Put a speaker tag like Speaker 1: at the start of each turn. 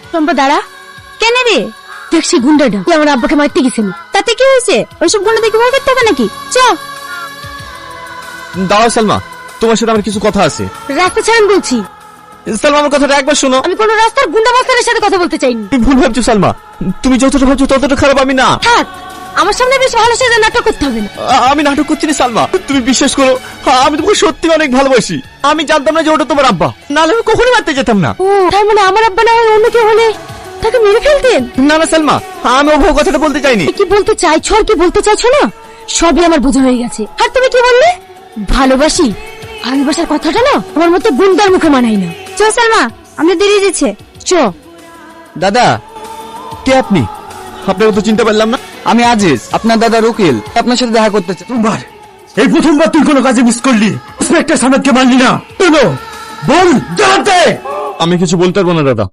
Speaker 1: টম্পা দাঁড়া। কেন রে? দেখছি গুন্ডাটা আমার আব্বাকে মারতে গেছিল, তাতে কি হয়েছে? ওইসব গুন্ডা দেখে ভয় করতে হবে নাকি? চ
Speaker 2: দাঁড়াও সালমা, তোমার সাথে আমার কিছু কথা আছে।
Speaker 1: রাস্তা ছাড়েন বলছি।
Speaker 2: সালমা আমার কথাটা একবার শোনো।
Speaker 1: আমি কোনো রাস্তার গুন্ডা মাস্টারের সাথে কথা বলতে চাইনি।
Speaker 2: তুমি ভুল ভাবছো সালমা, তুমি যতটা ভাবছো ততটা খারাপ আমি না।
Speaker 1: থাক, আমার সামনে বেশ ভালো সেজে নাটক করতে হবে না।
Speaker 2: আমি নাটক করছি না সালমা, তুমি বিশ্বাস করো, আমি তোমাকে সত্যি অনেক ভালোবাসি। আমি জানতাম না যে ওটা তোমার আব্বা, নাহলে আমি কখনোই মারতে যেতাম না।
Speaker 1: ও তার মানে আমার আব্বা না হয় অন্য কেউ হলে তাকে মেরে ফেলতেন?
Speaker 2: না না সালমা, আমি ওভাবে কথাটা বলতে চাইনি।
Speaker 1: কি বলতে চাইছো আর কি বলতে চাইছো না সবই আমার বোঝা হয়ে গেছে। আর তুমি কি বললে? ভালোবাসি? ভালোবাসার কথাটা না আমার মতো গুন্ডার মুখে মানাই না। চ সালমা, আমরা দেরি দিচ্ছে, চ।
Speaker 2: দাদা, কে আপনি? আপনাকে তো চিনতে পারলাম না।
Speaker 3: আমি আজিজ, আপনার দাদা রকিল, আপনার সাথে দেখা করতে চাই।
Speaker 4: প্রথমবার, এই প্রথমবার তুই কোনো কাজে মিস করলি। ইন্সপেক্টর সামনে মানলি না কেন? বল জানতে।
Speaker 2: আমি কিছু বলতে পারবো না দাদা।